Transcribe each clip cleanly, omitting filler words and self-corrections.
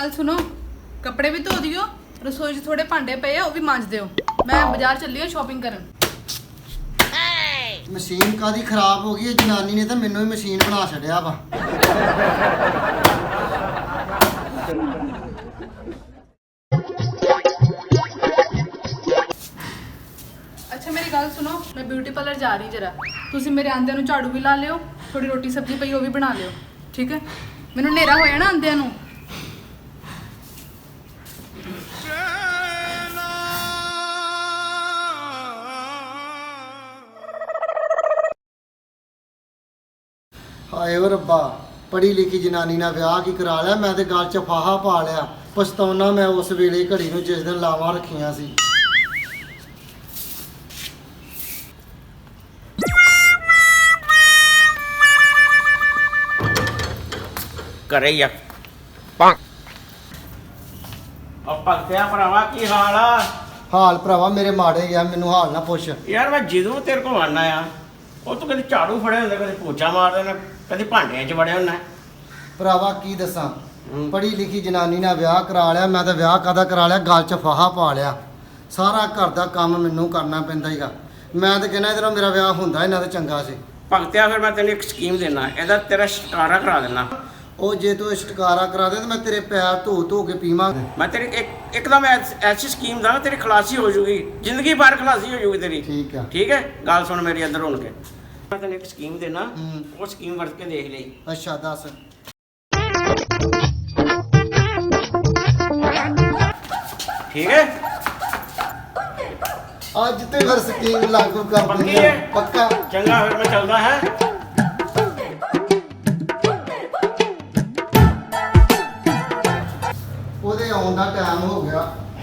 गल सुनो, कपड़े भी धो दियो, रसोई च थोड़े भांडे पे आ, वो भी मांज दियो। मैं बाजार चली हूं शॉपिंग करन। मशीन कादी खराब हो गई है जनानी ने तो मैनू ही मशीन बना छड़िया वा। अच्छा मेरी गल सुनो, मैं ब्यूटी पार्लर जा रही जरा, तुसी मेरे आंदे नू झाड़ू भी ला लियो, थोड़ी रोटी सब्जी पई वो भी बना लियो, ठीक है? मैनू नेरा होया ना आंदे नू। हाय ओ रब्बा, पढ़ी लिखी जनानी ना विआह की करा लिया, मैं तो गल च फाहा पा लिया। पछताउना मैं उस वेले घड़ी नू जिस दिन लावां रखियां सी। ਘਰੇ ਹੀ ਆ ਪੰਗ ਉਹ ਭਗਤਿਆ ਭਰਾਵਾ ਕੀ ਹਾਲ ਆ? ਹਾਲ ਭਰਾਵਾ ਮੇਰੇ ਮਾੜੇ ਗਿਆ, ਮੈਨੂੰ ਹਾਲ ਨਾ ਪੁੱਛ। ਯਾਰ ਮੈਂ ਜਦੋਂ ਤੇਰੇ ਕੋਲ ਆਣਾ ਆ ਉਹ ਤੂੰ ਕਦੇ ਝਾੜੂ ਫੜਿਆ ਹੁੰਦਾ, ਕਦੇ ਪੋਚਾ ਮਾਰ ਦੇਣਾ, ਕਦੇ ਭਾਂਡਿਆਂ 'ਚ ਵੜਿਆ ਹੁੰਦਾ। ਭਰਾਵਾ ਕੀ ਦੱਸਾਂ, ਪੜ੍ਹੀ ਲਿਖੀ ਜਨਾਨੀ ਨਾਲ ਵਿਆਹ ਕਰਾ ਲਿਆ, ਮੈਂ ਤਾਂ ਵਿਆਹ ਕਾਹਦਾ ਕਰਾ ਲਿਆ, ਗਲ 'ਚ ਫਾਹਾ ਪਾ ਲਿਆ। ਸਾਰਾ ਘਰ ਦਾ ਕੰਮ ਮੈਨੂੰ ਕਰਨਾ ਪੈਂਦਾ ਹੀਗਾ। ਮੈਂ ਤਾਂ ਕਹਿੰਦਾ ਇਹਦੇ ਨਾਲ ਮੇਰਾ ਵਿਆਹ ਹੁੰਦਾ ਇਹਨਾਂ ਦਾ ਚੰਗਾ ਸੀ। ਭਗਤਿਆ ਫਿਰ ਮੈਂ ਤੈਨੂੰ ਇੱਕ ਸਕੀਮ ਦੇਣਾ, ਇਹਦਾ ਤੇਰਾ ਛੁਟਕਾਰਾ ਕਰਾ ਦੇਣਾ। ਉਹ ਜੇ ਤੂੰ ਛੁਟਕਾਰਾ ਕਰਾ ਦੇ ਤਾਂ ਮੈਂ ਤੇਰੇ ਪੈਰ ਧੋ ਧੋ ਕੇ ਪੀਵਾਂ। ਮੈਂ ਤੇਰੀ ਇੱਕਦਮ ਐਸੀ ਸਕੀਮ ਦਾਂ ਤੇਰੀ ਖਲਾਸੀ ਹੋ ਜੂਗੀ, ਜ਼ਿੰਦਗੀ ਭਰ ਖਲਾਸੀ ਹੋ ਜੂਗੀ ਤੇਰੀ। ਠੀਕ ਆ। ਠੀਕ ਹੈ, ਗੱਲ ਸੁਣ ਮੇਰੀ ਅੰਦਰ ਹੁਣ ਕੇ। ਮੈਂ ਤੈਨੂੰ ਇੱਕ ਸਕੀਮ ਦੇਣਾ, ਉਹ ਸਕੀਮ ਵਰਤ ਕੇ ਦੇਖ ਲਈ। ਅੱਛਾ ਦੱਸ। ਠੀਕ ਹੈ, ਅੱਜ ਤੇ ਫਿਰ ਸਕੀਮ ਲਾਗੂ ਕਰ ਪੱਕੀ ਦਿੰਦੇ ਹੈ? ਆ। ਪੱਕਾ। ਚੰਗਾ ਫਿਰ ਮੈਂ ਚੱਲਦਾ ਹੈ। ਉਹਦੇ ਆਉਣ ਦਾ ਟਾਈਮ ਹੋ ਗਿਆ,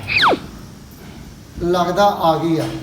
ਲੱਗਦਾ ਆ ਗਈ ਆ।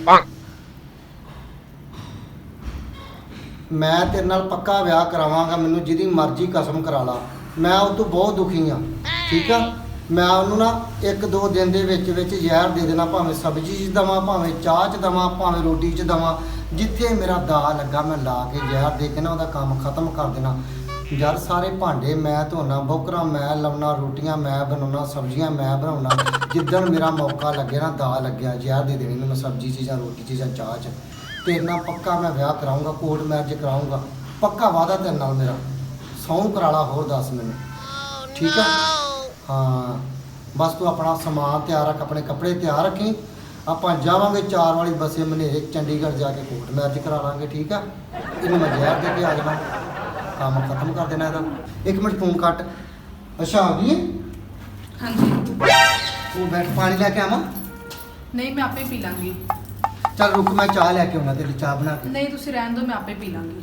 ਮੈਂ ਤੇਰੇ ਨਾਲ ਪੱਕਾ ਵਿਆਹ ਕਰਾਵਾਂਗਾ, ਮੈਨੂੰ ਜਿਹਦੀ ਮਰਜ਼ੀ ਕਸਮ ਕਰਾ ਲਾ। ਮੈਂ ਉਹ ਤੋਂ ਬਹੁਤ ਦੁਖੀ ਆ, ਠੀਕ ਆ? ਮੈਂ ਉਹਨੂੰ ਨਾ 1-2 ਦਿਨ ਦੇ ਵਿੱਚ ਜ਼ਹਿਰ ਦੇ ਦੇਣਾ, ਭਾਵੇਂ ਸਬਜ਼ੀ 'ਚ ਦੇਵਾਂ, ਭਾਵੇਂ ਚਾਹ 'ਚ ਦੇਵਾਂ, ਭਾਵੇਂ ਰੋਟੀ 'ਚ ਦੇਵਾਂ। ਜਿੱਥੇ ਮੇਰਾ ਦਾ ਲੱਗਾ ਮੈਂ ਲਾ ਕੇ ਜ਼ਹਿਰ ਦੇ ਕੇ ਨਾ ਉਹਦਾ ਕੰਮ ਖਤਮ ਕਰ ਦੇਣਾ। ਯਾਰ ਸਾਰੇ ਭਾਂਡੇ ਮੈਂ ਧੋਣਾ, ਬੋਕਰਾਂ ਮੈਂ ਲਾਉਣਾ, ਰੋਟੀਆਂ ਮੈਂ ਬਣਾਉਣਾ, ਸਬਜ਼ੀਆਂ ਮੈਂ ਬਣਾਉਣਾ। ਜਿੱਦਣ ਮੇਰਾ ਮੌਕਾ ਲੱਗੇ ਨਾ, ਦਾ ਲੱਗਿਆ, ਜ਼ਹਿਰ ਦੇ ਦੇਣੀ ਮੈਨੂੰ ਸਬਜ਼ੀ 'ਚ ਜਾਂ ਰੋਟੀ 'ਚ ਜਾਂ ਚਾਹ 'ਚ। ਤੇਰੇ ਨਾਲ ਪੱਕਾ ਮੈਂ ਵਿਆਹ ਕਰਾਊਂਗਾ, ਕੋਰਟ ਮੈਰਿਜ ਕਰਾਊਂਗਾ, ਪੱਕਾ ਵਾਅਦਾ ਤੇਰੇ ਨਾਲ ਮੇਰਾ। ਸਹੁੰ ਕਰਾ ਲਾ, ਹੋਰ ਦੱਸ ਮੈਨੂੰ, ਠੀਕ ਆ? ਹਾਂ ਬਸ ਤੂੰ ਆਪਣਾ ਸਮਾਨ ਤਿਆਰ ਰੱਖ, ਆਪਣੇ ਕੱਪੜੇ ਤਿਆਰ ਰੱਖੀ। ਆਪਾਂ ਜਾਵਾਂਗੇ 4 ਵਾਲੀ ਬੱਸੇ ਮਨੇਰੇ, ਚੰਡੀਗੜ੍ਹ ਜਾ ਕੇ ਕੋਰਟ ਮੈਰਿਜ ਕਰਾ ਲਾਂਗੇ, ਠੀਕ ਆ? ਇਹਨੂੰ ਮੈਂ ਜ਼ਹਿਰ ਦੇ ਕੇ ਆ ਜਾਣਾ, ਕੰਮ ਖਤਮ ਕਰ ਦੇਣਾ ਇਹਦਾ। 1 ਮਿੰਟ ਫੋਨ ਕੱਟ। ਅੱਛਾ ਆ ਗਈ ਹੈ? हाँ जी। ਉਹ ਬੈਠ, ਪਾਣੀ ਲੈ ਕੇ ਆਵਾਂ? नहीं मैं आपे पी लांगी। ਚੱਲ ਰੁਕ, ਮੈਂ ਚਾਹ ਲੈ ਕੇ ਆਉਣਾ, ਤੇਰੇ ਲਈ ਚਾਹ ਬਣਾ ਕੇ। नहीं तुसी रहन दो, मैं आपे पी लांगी।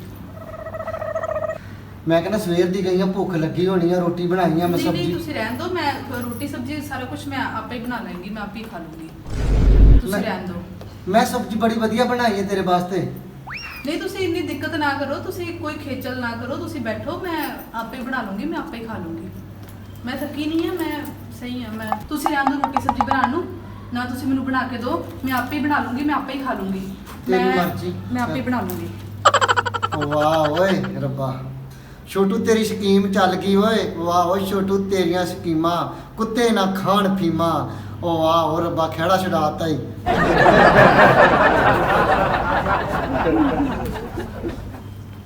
ਮੈਂ ਕਹਿੰਦਾ ਸਵੇਰ ਦੀ ਗਈ ਆ, ਭੁੱਖ ਲੱਗੀ ਹੋਣੀ ਆ, ਰੋਟੀ ਬਣਾਈ ਆ ਮੈਂ नहीं नहीं ਸਬਜ਼ੀ। तुसी रहन दो, मैं रोटी सब्जी सारा कुछ मैं आपे ही बना लेंगी, मैं आपे ही खा लूंगी। तुसी मैं- रहन दो। ਮੈਂ ਸਬਜ਼ੀ ਬੜੀ ਵਧੀਆ ਬਣਾਈ ਹੈ ਤੇਰੇ ਵਾਸਤੇ। नहीं तुसी इतनी दिक्कत ना करो, तुसी कोई खेचल ना करो, तुसी बैठो, मैं आपे ही बना लूंगी, मैं आपे ही खा लूंगी। मैं थकी नहीं है, मैं सही है। मैं तुसी रहन दो रोटी सब्जी बनाने नू, ना तुसी मैनू बना के दो, मैं आपे ही बना लूंगी, मैं आपे ही खा लूंगी। तेरी मर्जी। मैं आपे ही बना लूंगी। ਵਾਹ ਓਏ ਰੱਬਾ, ਛੋਟੂ ਤੇਰੀ ਸਕੀਮ ਚੱਲ ਗਈ ਓਏ। ਵਾਹ ਓਏ ਛੋਟੂ, ਤੇਰੀਆਂ ਸਕੀਮਾਂ ਕੁੱਤੇ ਨਾ ਖਾਣ ਫੀਮਾ। ਓ ਵਾਹ ਓ ਰੱਬਾ, ਖੇੜਾ ਛਡਾਤਾ ਹੀ।